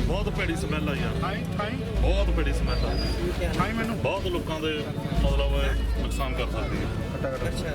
ਬਹੁਤ ਭੈੜੀ ਸਮੈਲ ਆ ਯਾਰ, ਬਹੁਤ ਭੈੜੀ ਸਮੈਲ ਆ। ਮੈਨੂੰ ਬਹੁਤ ਲੋਕਾਂ ਦੇ ਮਤਲਬ ਨੁਕਸਾਨ ਕਰ ਸਕਦੀ ਹੈ।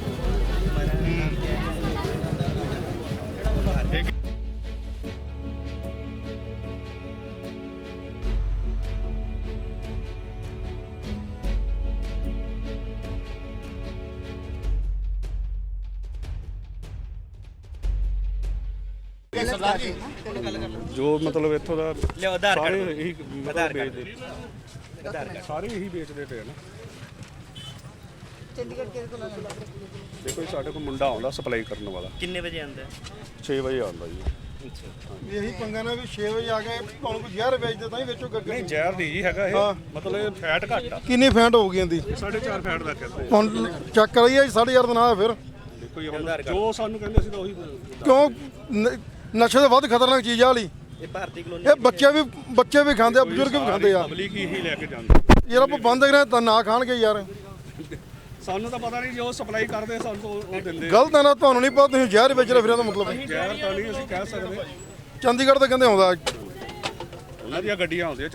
जो मतलब इत्थों का सारे यही बेचते, सारे यही बेचते पे ना। देखो साढ़े को मुंडा आंदा सप्लाई करने वाला। कितने बजे आंदा? 6 बजे आंदा जी। यही पंगा ना भी 6 वजे आ गए ਤੁਹਾਨੂੰ ਕੋਈ ਜ਼ਹਿਰ ਵੇਚਦੇ ਤਾਂ ਹੀ ਵੇਚੋ ਗੱਗੇ। नहीं जहर नहीं जी हैगा ये, मतलब फैट घट आ। ਕਿੰਨੀ ਫੈਂਟ ਹੋ ਗਈ ਇਹਦੀ? 4.5 ਫੈਟ ਦਾ ਕਹਿੰਦੇ। ਹੁਣ ਚੈੱਕ ਕਰਾਈਏ 4.5 ਦਾ ਨਾ ਹੈ ਫਿਰ। ਦੇਖੋ ਇਹ ਹੁਣ ਜੋ ਸਾਨੂੰ ਕਹਿੰਦੇ ਸੀ ਤਾਂ ਉਹੀ ਕਿਉਂ ਨਸ਼ੇ ਤੋਂ ਵੱਧ ਖਤਰਨਾਕ ਚੀਜ਼ ਆ ਵਾਲੀ ਇਹ ਭਾਰਤੀ ਕਲੋਨੀ। ਇਹ ਬੱਚੇ ਵੀ ਖਾਂਦੇ ਆ, ਬਜ਼ੁਰਗ ਵੀ ਖਾਂਦੇ ਆ। ਪਬਲਿਕ ਹੀ ਲੈ ਕੇ ਜਾਂਦੇ ਯਾਰ ਆਪਾਂ ਬੰਦ ਕਰਾਂ ਤਾਂ ਨਾ ਖਾਣਗੇ ਯਾਰ। ਸਾਨੂੰ ਤਾਂ ਪਤਾ ਨਹੀਂ ਜੋ ਸਪਲਾਈ ਕਰਦੇ ਸਾਨੂੰ ਤਾਂ ਉਹ ਦਿੰਦੇ। ਗਲਤ ਹੈ ਨਾ, ਤੁਹਾਨੂੰ ਨਹੀਂ ਪਤਾ ਤੁਸੀਂ ਜ਼ਹਿਰ ਵੇਚ ਰਹੇ ਫਿਰ ਇਹਦਾ ਮਤਲਬ ਜ਼ਹਿਰ ਤਾਂ ਨਹੀਂ ਅਸੀਂ ਕਹਿ ਸਕਦੇ। ਚੰਡੀਗੜ੍ਹ ਤੋਂ ਕਹਿੰਦੇ ਆਉਂਦਾ ਉਹਨਾਂ ਦੀਆਂ ਗੱਡੀਆਂ ਆਉਂਦੀਆਂ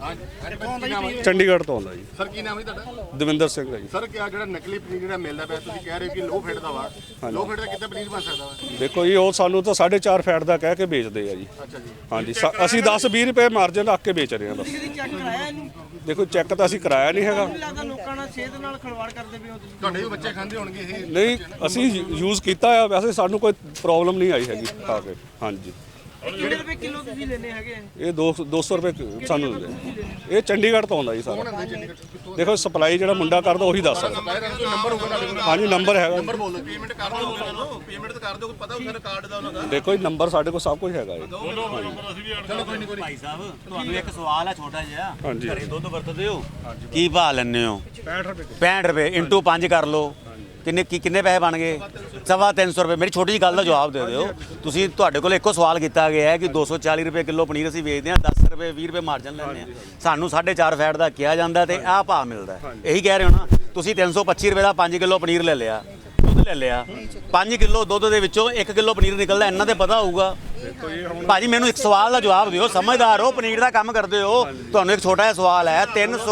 ਚੰਡੀਗੜ੍ਹ ਤੋਂ ਆਉਂਦਾ ਜੀ। ਸਰ ਕੀ ਨਾਮ ਹੈ ਤੁਹਾਡਾ? ਦਵਿੰਦਰ ਸਿੰਘ ਹੈ ਜੀ। ਸਰ ਕਿਆ ਜਿਹੜਾ ਨਕਲੀ ਪਨੀਰ ਜਿਹੜਾ ਮਿਲਦਾ ਪਿਆ ਤੁਸੀਂ ਕਹਿ ਰਹੇ ਹੋ ਕਿ ਲੋ ਫੈਟ ਦਾ ਵਾ, ਲੋ ਫੈਟ ਦਾ ਕਿੱਦਾਂ ਪਨੀਰ ਬਣ ਸਕਦਾ ਵਾ? ਦੇਖੋ ਜੀ ਉਹ ਸਾਨੂੰ ਤਾਂ 4.5 ਫੈਟ ਦਾ ਕਹਿ ਕੇ ਵੇਚਦੇ ਆ ਜੀ। ਅੱਛਾ ਜੀ। ਹਾਂਜੀ ਅਸੀਂ 10-20 ਰੁਪਏ ਮਾਰਜਨ ਰੱਖ ਕੇ ਵੇਚ ਰਹੇ ਹਾਂ ਬਸ। ਚੈੱਕ ਕਰਾਇਆ ਇਹਨੂੰ? ਦੇਖੋ ਚੈੱਕ ਤਾਂ ਅਸੀਂ ਕਰਾਇਆ ਨਹੀਂ ਹੈਗਾ। ਲੱਗਦਾ ਲੋਕਾਂ ਨਾਲ ਸਿਹਤ ਨਾਲ ਖਿਲਵਾੜ ਕਰਦੇ ਪਏ ਹੋ ਤੁਸੀਂ। ਤੁਹਾਡੇ ਵੀ ਬੱਚੇ ਖਾਂਦੇ ਹੋਣਗੇ ਇਹ? ਨਹੀਂ ਅਸੀਂ ਯੂਜ਼ ਕੀਤਾ ਆ, ਵੈਸੇ ਸਾਨੂੰ ਕੋਈ ਪ੍ਰੋਬਲਮ ਨਹੀਂ ਆਈ ਹੈਗੀ ਖਾ ਕੇ। ਹਾਂਜੀ ਕਿੰਨੇ ਰੁਪਏ ਕਿਲੋ ਤੁਸੀਂ ਲੈਣੇ ਹੈਗੇ? ਇਹ 200 ਰੁਪਏ ਸਾਨੂੰ ਦਿੰਦੇ। ਇਹ ਚੰਡੀਗੜ੍ਹ ਤੋਂ ਆਉਂਦਾ ਜੀ ਸਾਰਾ। ਦੇਖੋ ਸਪਲਾਈ ਜਿਹੜਾ ਮੁੰਡਾ ਕਰਦਾ ਉਹੀ ਦੱਸ ਸਕਦਾ। ਨੰਬਰ ਹੋਊਗਾ ਤੁਹਾਡੇ ਕੋਲ? ਹਾਂਜੀ ਨੰਬਰ ਹੈਗਾ। ਨੰਬਰ ਬੋਲ ਦਿਓ। ਪੇਮੈਂਟ ਕਰ ਦਿਓ, ਪੇਮੈਂਟ ਤਾਂ ਕਰ ਦਿਓ, ਕੋਈ ਪਤਾ ਹੁੰਦਾ ਕਾਰਡ ਦਾ ਉਹਨਾਂ ਦਾ। ਦੇਖੋ ਜੀ ਨੰਬਰ ਸਾਡੇ ਕੋਲ ਸਭ ਕੁਝ ਹੈਗਾ ਜੀ। ਚਲੋ ਕੋਈ ਨਹੀਂ ਭਾਈ ਸਾਹਿਬ ਤੁਹਾਨੂੰ ਇੱਕ ਸਵਾਲ ਹੈ ਛੋਟਾ ਜਿਹਾ। ਹਾਂਜੀ। ਘਰੇ ਦੁੱਧ ਵਰਤਦੇ ਹੋ? ਕੀ ਭਾਅ ਲੈਂਦੇ ਹੋ? 65 ਰੁਪਏ 65 ਰੁਪਏ ਇੰਟੂ 5 ਕਰ ਲਓ। ਕਿੰਨੇ ਪੈਸੇ ਬਣ ਗਏ? 350 ਰੁਪਏ। ਮੇਰੀ ਛੋਟੀ ਜਿਹੀ ਗੱਲ ਦਾ ਜਵਾਬ ਦੇ ਦਿਓ। ਤੁਸੀਂ ਤੁਹਾਡੇ ਕੋਲ ਇੱਕੋ ਸਵਾਲ ਕੀਤਾ ਗਿਆ ਹੈ ਕਿ 240 ਰੁਪਏ ਕਿਲੋ ਪਨੀਰ ਅਸੀਂ ਵੇਚਦੇ ਹਾਂ, 10 ਰੁਪਏ 20 ਰੁਪਏ ਮਾਰਜਨ ਲੈਂਦੇ ਹਾਂ। ਸਾਨੂੰ 4.5 ਫੈਟ ਦਾ ਕਿਹਾ ਜਾਂਦਾ ਤੇ ਆਹ ਭਾਅ ਮਿਲਦਾ। ਇਹੀ ਕਹਿ ਰਹੇ ਹੋ ਨਾ ਤੁਸੀਂ? 325 ਰੁਪਏ ਦਾ 5 ਕਿਲੋ ਪਨੀਰ ਲੈ ਲਿਆ, ਦੁੱਧ ਲੈ ਲਿਆ। 5 ਕਿਲੋ ਦੁੱਧ ਦੇ ਵਿੱਚੋਂ 1 ਕਿਲੋ ਪਨੀਰ ਨਿਕਲਦਾ, ਇਹਨਾਂ ਤੇ ਪਤਾ ਹੋਊਗਾ। ਭਾਜੀ ਮੈਨੂੰ ਇੱਕ ਸਵਾਲ ਦਾ ਜਵਾਬ ਦਿਓ, ਸਮਝਦਾਰ ਹੋ, ਪਨੀਰ ਦਾ ਕੰਮ ਕਰਦੇ ਹੋ। ਤੁਹਾਨੂੰ ਇੱਕ ਛੋਟਾ ਜਿਹਾ ਸਵਾਲ ਹੈ,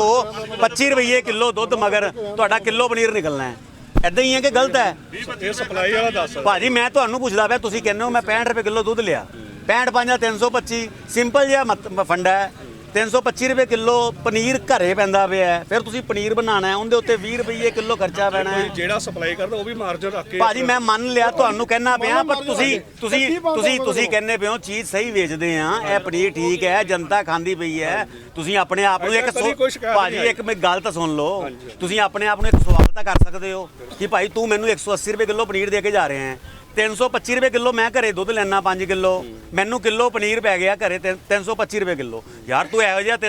325 ਰੁਪਏ ਕਿਲੋ ਦੁੱਧ ਮਗਰ ਤੁਹਾਡਾ ਕਿਲੋ ਪਨੀਰ ਨਿਕਲਣਾ ਹੈ। ਇਦਾਂ ਹੀ ਹੈ ਕਿ ਗਲਤ ਹੈ? ਇਹ ਸਪਲਾਈ ਵਾਲਾ ਦੱਸ। ਭਾਜੀ ਮੈਂ ਤੁਹਾਨੂੰ ਪੁੱਛਦਾ ਪਿਆ, ਤੁਸੀਂ ਕਹਿੰਦੇ ਹੋ ਮੈਂ 65 ਰੁਪਏ ਕਿਲੋ ਦੁੱਧ ਲਿਆ। 65 5 325 ਸਿੰਪਲ ਜਿਹਾ ਫੰਡਾ ਹੈ। 325 ਰੁਪਏ ਕਿਲੋ ਪਨੀਰ ਘਰੇ ਪੈਂਦਾ ਪਿਆ। ਫਿਰ ਤੁਸੀਂ ਪਨੀਰ ਬਣਾਉਣਾ ਹੈ, ਉਹਦੇ ਉੱਤੇ 20 ਰੁਪਏ ਕਿਲੋ ਖਰਚਾ ਪੈਣਾ ਹੈ। ਜਿਹੜਾ ਸਪਲਾਈ ਕਰਦਾ ਉਹ ਵੀ ਮਾਰਜਨ ਰੱਖ ਕੇ। ਭਾਜੀ ਮੈਂ ਮੰਨ ਲਿਆ, ਤੁਹਾਨੂੰ ਕਹਿਣਾ ਪਿਆ, ਪਰ ਤੁਸੀਂ ਕਹਿੰਦੇ ਪਿਓ ਚੀਜ਼ ਸਹੀ ਵੇਚਦੇ ਆ, ਇਹ ਪਨੀਰ ਠੀਕ ਹੈ, ਜਨਤਾ ਖਾਂਦੀ ਪਈ ਹੈ। ਤੁਸੀਂ ਆਪਣੇ ਆਪ ਨੂੰ ਭਾਜੀ ਇੱਕ ਗੱਲ ਤਾਂ ਸੁਣ ਲਓ। ਤੁਸੀਂ ਆਪਣੇ ਆਪ ਨੂੰ ਇੱਕ ਸਵਾਲ ਤਾਂ ਕਰ ਸਕਦੇ ਹੋ ਕਿ ਭਾਈ ਤੂੰ ਮੈਨੂੰ 180 ਰੁਪਏ ਕਿਲੋ ਪਨੀਰ ਦੇ ਕੇ ਜਾ ਰਹੇ ਹੈ। 325 ਰੁਪਏ ਕਿਲੋ ਮੈਂ ਘਰੇ ਦੁੱਧ ਲੈਣਾ 5 ਕਿਲੋ, ਮੈਨੂੰ ਕਿਲੋ ਪਨੀਰ ਪੈ ਗਿਆ ਘਰੇ 325 ਰੁਪਏ ਕਿਲੋ। ਯਾਰ ਤੂੰ ਇਹੋ ਜਿਹਾ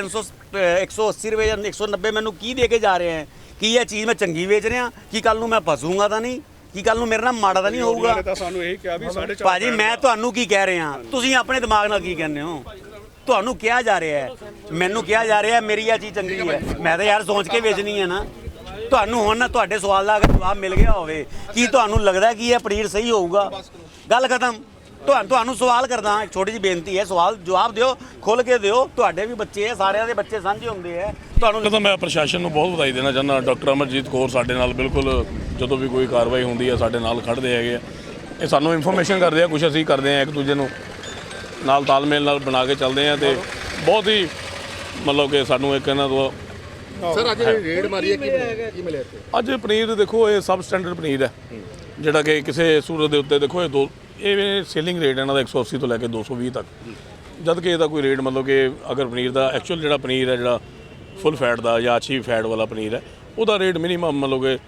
180 ਰੁਪਏ ਜਾਂ 190 ਮੈਨੂੰ ਕੀ ਦੇ ਕੇ ਜਾ ਰਹੇ ਹੈ? ਕੀ ਇਹ ਚੀਜ਼ ਮੈਂ ਚੰਗੀ ਵੇਚ ਰਿਹਾ? ਕੀ ਕੱਲ ਨੂੰ ਮੈਂ ਫਸੂੰਗਾ ਤਾਂ ਨਹੀਂ? ਕੀ ਕੱਲ ਨੂੰ ਮੇਰੇ ਨਾਲ ਮਾੜਾ ਤਾਂ ਨਹੀਂ ਹੋਊਗਾ? ਸਾਨੂੰ ਇਹ ਕਿਹਾ ਵੀ 4.5। ਭਾਜੀ ਮੈਂ ਤੁਹਾਨੂੰ ਕੀ ਕਹਿ ਰਿਹਾ, ਤੁਸੀਂ ਆਪਣੇ ਦਿਮਾਗ ਨਾਲ ਕੀ ਕਹਿੰਦੇ ਹੋ? ਤੁਹਾਨੂੰ ਕਿਹਾ ਜਾ ਰਿਹਾ ਹੈ, ਮੈਨੂੰ ਕਿਹਾ ਜਾ ਰਿਹਾ ਮੇਰੀ ਇਹ ਚੀਜ਼ ਚੰਗੀ ਹੈ, ਮੈਂ ਤਾਂ ਯਾਰ ਸੋਚ ਕੇ ਵੇਚਣੀ ਹੈ ਨਾ। ਤੁਹਾਨੂੰ ਹੁਣ ਤੁਹਾਡੇ ਸਵਾਲ ਦਾ ਅਗਰ ਜਵਾਬ ਮਿਲ ਗਿਆ ਹੋਵੇ, ਕੀ ਤੁਹਾਨੂੰ ਲੱਗਦਾ ਕਿ ਇਹ ਪਨੀਰ ਸਹੀ ਹੋਊਗਾ? ਗੱਲ ਖਤਮ। ਤੁਹਾਨੂੰ ਸਵਾਲ ਕਰਦਾ, ਇੱਕ ਛੋਟੀ ਜਿਹੀ ਬੇਨਤੀ ਹੈ, ਸਵਾਲ ਜਵਾਬ ਦਿਓ, ਖੁੱਲ ਕੇ ਦਿਓ। ਤੁਹਾਡੇ ਵੀ ਬੱਚੇ ਹੈ, ਸਾਰਿਆਂ ਦੇ ਬੱਚੇ ਸਾਂਝੇ ਹੁੰਦੇ ਹੈ। ਤੁਹਾਨੂੰ ਤਾਂ ਮੈਂ ਪ੍ਰਸ਼ਾਸਨ ਨੂੰ ਬਹੁਤ ਵਧਾਈ ਦੇਣਾ ਚਾਹੁੰਦਾ। ਡਾਕਟਰ ਅਮਰਜੀਤ ਕੌਰ ਸਾਡੇ ਨਾਲ ਬਿਲਕੁਲ ਜਦੋਂ ਵੀ ਕੋਈ ਕਾਰਵਾਈ ਹੁੰਦੀ ਹੈ ਸਾਡੇ ਨਾਲ ਖੜ੍ਹਦੇ ਹੈਗੇ ਆ। ਇਹ ਸਾਨੂੰ ਇਨਫੋਰਮੇਸ਼ਨ ਕਰਦੇ ਆ, ਕੁਛ ਅਸੀਂ ਕਰਦੇ ਆ, ਇੱਕ ਦੂਜੇ ਨੂੰ ਨਾਲ ਤਾਲਮੇਲ ਨਾਲ ਬਣਾ ਕੇ ਚੱਲਦੇ ਆ ਤੇ ਬਹੁਤ ਹੀ ਮਤਲਬ ਕਿ ਸਾਨੂੰ ਇੱਕ ਇਹਨਾਂ ਤੋਂ। ਸਰ ਅੱਜ ਰੇਡ ਮਾਰੀ ਹੈ, ਕੀ ਮਿਲਿਆ ਇੱਥੇ? ਅੱਜ ਪਨੀਰ ਦੇਖੋ ਇਹ ਸਬ ਸਟੈਂਡਰਡ ਪਨੀਰ ਹੈ, ਜਿਹੜਾ ਕਿ ਕਿਸੇ ਸੂਰਤ ਦੇ ਉੱਤੇ ਦੇਖੋ ਇਹ ਸੇਲਿੰਗ ਰੇਟ ਇਹਨਾਂ ਦਾ 180 ਤੋਂ ਲੈ ਕੇ 220 ਤੱਕ, ਜਦ ਕਿ ਇਹਦਾ ਕੋਈ ਰੇਟ ਮਤਲਬ ਕਿ ਅਗਰ ਪਨੀਰ ਦਾ ਐਕਚੁਅਲ ਜਿਹੜਾ ਪਨੀਰ ਹੈ, ਜਿਹੜਾ ਫੁੱਲ ਫੈਟ ਦਾ ਜਾਂ ਅੱਛੀ ਫੈਟ ਵਾਲਾ ਪਨੀਰ ਹੈ, ਉਹਦਾ ਰੇਟ ਮਿਨੀਮਮ ਮਤਲਬ ਕਿ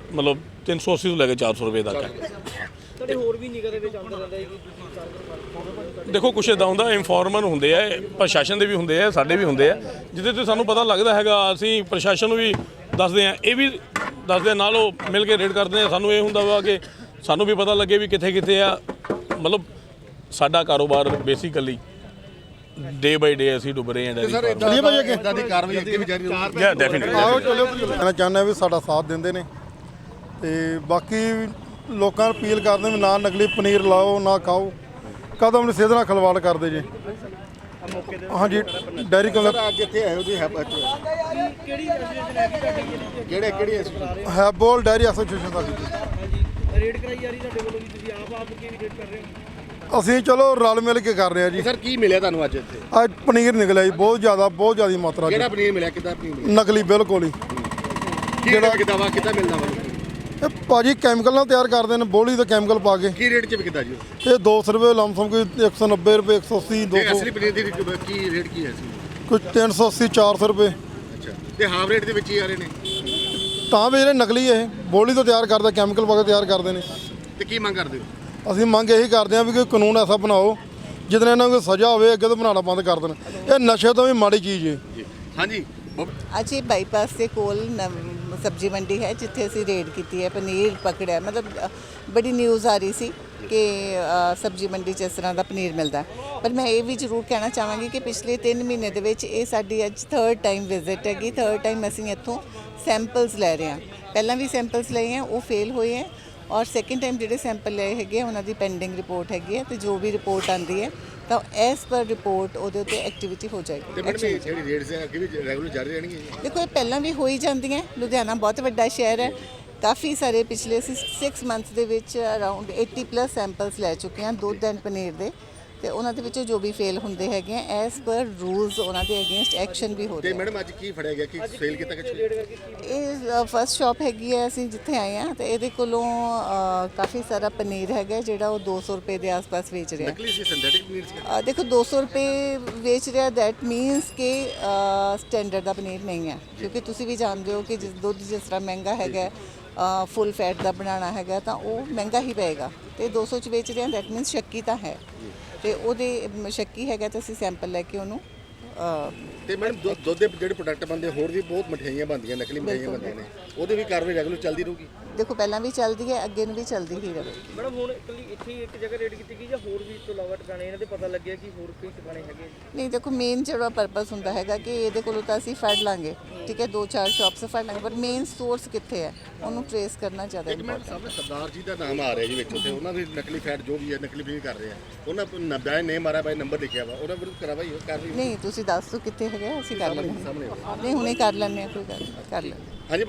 380 ਤੋਂ ਲੈ ਕੇ 400 ਰੁਪਏ ਤੱਕ ਹੈ। ਤੁਹਾਡੇ ਹੋਰ ਵੀ ਨਿਗਾਹ ਦੇ ਵਿੱਚ ਆਉਂਦਾ ਰਹਿੰਦਾ ਹੈ ਕਿ ਦੇਖੋ ਕੁਛ ਇੱਦਾਂ ਹੁੰਦਾ, ਇਨਫੋਰਮਰ ਹੁੰਦੇ ਆ, ਪ੍ਰਸ਼ਾਸਨ ਦੇ ਵੀ ਹੁੰਦੇ ਆ, ਸਾਡੇ ਵੀ ਹੁੰਦੇ ਆ, ਜਿਹਦੇ ਤੇ ਸਾਨੂੰ ਪਤਾ ਲੱਗਦਾ ਹੈਗਾ ਅਸੀਂ ਪ੍ਰਸ਼ਾਸਨ ਨੂੰ ਵੀ ਦੱਸਦੇ ਆ, ਇਹ ਵੀ ਦੱਸਦੇ ਨਾਲ ਉਹ ਮਿਲ ਕੇ ਰੇਡ ਕਰਦੇ ਆ। ਸਾਨੂੰ ਇਹ ਹੁੰਦਾ ਵਾ ਕਿ ਸਾਨੂੰ ਵੀ ਪਤਾ ਲੱਗੇ ਵੀ ਕਿੱਥੇ ਕਿੱਥੇ ਆ। ਮਤਲਬ ਸਾਡਾ ਕਾਰੋਬਾਰ ਬੇਸਿਕਲੀ ਡੇ ਬਾਈ ਡੇ ਅਸੀਂ ਡੁੱਬ ਰਹੇ ਹਾਂ। ਸਰ ਇਦਾਂ ਦੀ ਕਾਰਵਾਈ ਅੱਗੇ ਵੀ ਜਾਰੀ ਰਹੂਗੀ? ਯਾ ਡੈਫੀਨਿਟਲੀ। ਮੈਂ ਚਾਹੁੰਦਾ ਵੀ ਸਾਡਾ ਸਾਥ ਦਿੰਦੇ ਨੇ ਤੇ ਬਾਕੀ ਲੋਕਾਂ ਨੂੰ ਅਪੀਲ ਕਰਦੇ ਵੀ ਨਾ ਨਕਲੀ ਪਨੀਰ ਲਾਓ, ਨਾ ਖਾਓ, ਕਦਮ ਨਹੀਂ ਸਿੱਧ ਨਾਲ ਖਲਵਾੜ ਕਰਦੇ ਜੀ। ਹਾਂਜੀ ਡੈਰੀ ਕਲਰ ਅੱਜ ਇੱਥੇ ਆਏ ਹੋ ਜੀ ਕਿਹੜੀ ਐਸੋਸੀਏਸ਼ਨ ਹੈਗੀ ਤੁਹਾਡੀ ਕਿਹੜੀ ਐਸੋਸੀਏਸ਼ਨ? ਹੈਬੋਲ ਡੈਰੀ ਐਸੋਸੀਏਸ਼ਨ ਸਾਡੀ ਜੀ। ਹਾਂਜੀ ਰੇਡ ਕਰਾਈ ਜਾ ਰਹੀ ਤੁਹਾਡੇ ਵੱਲੋਂ ਵੀ ਤੁਸੀਂ ਆਪ ਕੀ ਰੇਡ ਕਰ ਰਹੇ ਹੋ? ਅਸੀਂ ਚਲੋ ਰਲ ਮਿਲ ਕੇ ਕਰ ਰਹੇ ਹਾਂ ਜੀ। ਸਰ ਕੀ ਮਿਲਿਆ ਤੁਹਾਨੂੰ ਅੱਜ ਇੱਥੇ? ਅੱਜ ਪਨੀਰ ਨਿਕਲਿਆ ਜੀ ਬਹੁਤ ਜ਼ਿਆਦਾ ਮਾਤਰਾ ਕਿਹੜਾ ਚ। ਪਨੀਰ ਮਿਲਿਆ? ਕਿੱਦਾਂ ਪਨੀਰ ਮਿਲਿਆ? ਨਕਲੀ ਬਿਲਕੁਲ ਹੀ। ਕਿਹੜਾ ਵਿਕਦਾ ਵਾ? ਕਿੱਦਾਂ ਮਿਲਦਾ ਵਾ? ਇਹ ਭਾਜੀ ਕੈਮੀਕਲ ਨਾਲ ਤਿਆਰ ਕਰਦੇ ਨੇ, ਬੋਲੀ ਦਾ ਕੈਮੀਕਲ ਪਾ ਕੇ। ਕੀ ਰੇਟ 'ਚ ਵਿਕਦਾ ਜੀ? ਇਹ 200 ਰੁਪਏ ਲਮਸਮ, ਕੋਈ 190 ਰੁਪਏ, 180, ਤੇ 200, ਅਸਲੀ ਪਨੀਰ ਦੀ ਕੀ ਰੇਟ ਕੀ ਹੈ ਸੀ? ਕੋਈ 380, 400 ਰੁਪਏ। ਅੱਛਾ, ਤੇ ਹਾਫ ਰੇਟ ਦੇ ਵਿੱਚ ਹੀ ਆ ਰਹੇ ਨੇ? ਤਾਂ ਵੀ ਜਿਹੜੇ ਨਕਲੀ ਇਹ ਬੋਲੀ ਤੋਂ ਤਿਆਰ ਕਰਦੇ, ਕੈਮੀਕਲ ਪਾ ਕੇ ਤਿਆਰ ਕਰਦੇ ਨੇ। ਤੇ ਕੀ ਮੰਗ ਕਰਦੇ ਹੋ? ਅਸੀਂ ਮੰਗ ਇਹੀ ਕਰਦੇ ਹਾਂ ਵੀ ਕੋਈ ਕਾਨੂੰਨ ਐਸਾ ਬਣਾਓ ਜਿਹਦੇ ਨਾਲ ਇਹਨਾਂ ਨੂੰ ਕੋਈ ਸਜ਼ਾ ਹੋਵੇ, ਅੱਗੇ ਤੋਂ ਬਣਾਉਣਾ ਬੰਦ ਕਰ ਦੇਣ। ਇਹ ਨਸ਼ੇ ਤੋਂ ਵੀ ਮਾੜੀ ਚੀਜ਼ ਹੈ। ਹਾਂਜੀ ਅੱਜ ਇਹ ਬਾਈਪਾਸ ਦੇ ਕੋਲ ਸਬਜ਼ੀ ਮੰਡੀ ਹੈ ਜਿੱਥੇ ਅਸੀਂ ਰੇਡ ਕੀਤੀ ਹੈ, ਪਨੀਰ ਪਕੜਿਆ। ਮਤਲਬ ਬੜੀ ਨਿਊਜ਼ ਆ ਰਹੀ ਸੀ ਕਿ ਸਬਜ਼ੀ ਮੰਡੀ 'ਚ ਇਸ ਤਰ੍ਹਾਂ ਦਾ ਪਨੀਰ ਮਿਲਦਾ। ਪਰ ਮੈਂ ਇਹ ਵੀ ਜ਼ਰੂਰ ਕਹਿਣਾ ਚਾਹਾਂਗੀ ਕਿ ਪਿਛਲੇ 3 ਮਹੀਨੇ ਦੇ ਵਿੱਚ ਇਹ ਸਾਡੀ ਅੱਜ 3rd ਟਾਈਮ ਵਿਜ਼ਿਟ ਹੈਗੀ। 3rd ਟਾਈਮ ਅਸੀਂ ਇੱਥੋਂ ਸੈਂਪਲਸ ਲੈ ਰਹੇ ਹਾਂ। ਪਹਿਲਾਂ ਵੀ ਸੈਂਪਲਸ ਲਏ ਹੈ, ਉਹ ਫੇਲ ਹੋਏ ਹੈ, ਔਰ ਸੈਕਿੰਡ ਟਾਈਮ ਜਿਹੜੇ ਸੈਂਪਲ ਲਏ ਹੈਗੇ ਉਹਨਾਂ ਦੀ ਪੈਂਡਿੰਗ ਰਿਪੋਰਟ ਹੈਗੀ ਹੈ, ਤੇ ਜੋ ਵੀ ਰਿਪੋਰਟ ਆਉਂਦੀ ਹੈ ਤਾਂ ਐਸ ਪਰ ਰਿਪੋਰਟ ਉਹਦੇ ਉੱਤੇ ਐਕਟੀਵਿਟੀ ਹੋ ਜਾਏਗੀ। ਤੇ ਮੈਡਮ ਇਹ ਜਿਹੜੀ ਰੇਟਸ ਹੈ ਅੱਗੇ ਵੀ ਰੈਗੂਲਰ ਜਾਰੀ ਰਹਿਣਗੇ? ਦੇਖੋ ਇਹ ਪਹਿਲਾਂ ਵੀ ਹੋ ਹੀ ਜਾਂਦੀਆਂ। ਲੁਧਿਆਣਾ ਬਹੁਤ ਵੱਡਾ ਸ਼ਹਿਰ ਹੈ, ਕਾਫੀ ਸਾਰੇ ਪਿਛਲੇ 6 ਮੰਥਸ ਦੇ ਵਿੱਚ ਅਰਾਊਂਡ 80+ ਸੈਂਪਲਸ ਲੈ ਚੁੱਕੇ ਹਾਂ ਦੁੱਧ ਐਂਡ ਪਨੀਰ ਦੇ, ਤੇ ਉਹਨਾਂ ਦੇ ਵਿੱਚੋਂ ਜੋ ਵੀ ਫੇਲ ਹੁੰਦੇ ਹੈਗੇ ਆ ਐਸ ਪਰ ਰੂਲਸ ਉਹਨਾਂ ਦੇ ਅਗੇਂਸਟ ਐਕਸ਼ਨ ਵੀ ਹੋ ਤੇ ਰਿਹਾ। ਮੈਡਮ ਅੱਜ ਕੀ ਫੜਿਆ ਗਿਆ ਕਿ ਫੇਲ ਕੀਤਾ ਕਿ ਇਹ ਫਸਟ ਸ਼ਾਪ ਹੈਗੀ ਹੈ ਅਸੀਂ ਜਿੱਥੇ ਆਏ ਹਾਂ, ਤੇ ਇਹਦੇ ਕੋਲੋਂ ਕਾਫੀ ਸਾਰਾ ਪਨੀਰ ਹੈਗਾ ਜਿਹੜਾ ਉਹ 200 ਰੁਪਏ ਦੇ ਆਸ-ਪਾਸ ਵੇਚ ਰਿਹਾ। ਨਕਲੀ ਸੀ? ਸਿੰਥੈਟਿਕ ਪਨੀਰ ਸੀ? ਦੇਖੋ 200 ਰੁਪਏ ਵੇਚ ਰਿਹਾ, ਦੈਟ ਮੀਨਸ ਕਿ ਸਟੈਂਡਰਡ ਦਾ ਪਨੀਰ ਨਹੀਂ ਹੈ, ਕਿਉਂਕਿ ਤੁਸੀਂ ਵੀ ਜਾਣਦੇ ਹੋ ਕਿ ਦੁੱਧ ਜਿਸ ਤਰ੍ਹਾਂ ਮਹਿੰਗਾ ਹੈਗਾ, ਫੁੱਲ ਫੈਟ ਦਾ ਬਣਾਉਣਾ ਹੈਗਾ ਤਾਂ ਉਹ ਮਹਿੰਗਾ ਹੀ ਪਏਗਾ। ਤੇ 200 ਚ ਵੇਚ ਰਿਹਾ, ਦੈਟ ਮੀਨਸ ਸ਼ੱਕੀ ਤਾਂ ਹੈ, ਤੇ ਉਹਦੇ ਸ਼ੱਕੀ ਹੈਗਾ ਤਾਂ ਅਸੀਂ ਸੈਂਪਲ ਲੈ ਕੇ ਉਹਨੂੰ ਤੇ ਮੈਡਮ ਦੁੱਧ ਦੇ ਜਿਹੜੇ ਪ੍ਰੋਡਕਟ ਬਣਦੇ ਹੋਰ ਵੀ ਬਹੁਤ ਮਠਿਆਈਆਂ ਬਣਦੀਆਂ, ਨਕਲੀ ਮਠਿਆਈਆਂ ਬਣਦੀਆਂ ਨੇ, ਉਹਦੇ ਵੀ ਕਾਰਵਾਈ ਰੈਗੂਲਰ ਚੱਲਦੀ ਰਹੂਗੀ? ਦੇਖੋ ਪਹਿਲਾਂ ਵੀ ਚੱਲਦੀ ਹੈ, ਅੱਗੇ ਨੂੰ ਵੀ ਚੱਲਦੀ ਹੀ ਰਹੇ। ਮੈਡਮ ਹੁਣ ਇਕੱਲੀ ਇੱਥੇ ਹੀ ਇੱਕ ਜਗ੍ਹਾ ਰੇਡ ਕੀਤੀ ਗਈ ਜਾਂ ਹੋਰ ਵੀ ਇਸ ਤੋਂ ਇਲਾਵਾ ਟਿਕਾਣੇ ਇਹਨਾਂ ਦੇ ਪਤਾ ਲੱਗਿਆ ਕਿ ਹੋਰ ਕੋਈ ਟਿਕਾਣੇ ਹੈਗੇ? ਨਹੀਂ ਦੇਖੋ ਮੇਨ ਜਿਹੜਾ ਪਰਪਸ ਹੁੰਦਾ ਹੈਗਾ ਕਿ ਇਹਦੇ ਕੋਲੋਂ ਤਾਂ ਅਸੀਂ ਫੜ ਲਾਂਗੇ, ਠੀਕ ਹੈ, 2-4 ਸ਼ਾਪਸ ਫੜ ਲਾਂਗੇ, ਪਰ ਮੇਨ ਸੋਰਸ ਕਿੱਥੇ ਹੈ ਉਹਨੂੰ ਟ੍ਰੇਸ ਕਰਨਾ ਜ਼ਿਆਦਾ ਇੰਪੋਰਟੈਂਟ। ਸਾਹਮਣੇ ਸਰਦਾਰ ਜੀ ਦਾ ਨਾਮ ਆ ਰਿਹਾ ਜੀ ਵਿੱਚ, ਉੱਤੇ ਉਹਨਾਂ ਦੀ ਨਕਲੀ ਫੈਟ ਜੋ ਵੀ ਹੈ ਨਕਲੀ ਪਨੀਰ ਕਰ ਰਹੇ ਆ, ਉਹਨਾਂ ਬਾਈ ਨੇਮ ਆ ਰਿਹਾ, ਬਾਈ ਨੰਬਰ ਲਿਖਿਆ ਵਾ, ਉਹਨਾਂ ਵਿਰੁੱਧ ਕਾਰਵਾਈ ਨਹੀਂ ਤੁਸੀਂ ਦੱਸ ਦਿਓ ਕਿੱਥੇ ਹੈਗਾ, ਅਸੀਂ ਕਰ ਲੈਂਦੇ ਹਾਂ। ਨਹੀਂ ਹੁਣੇ ਕਰ ਲੈਂਦੇ ਹਾਂ, ਕੋਈ ਗੱਲ ਨਹੀਂ, ਕਰ ਲੈਂਦੇ ਹਾਂ।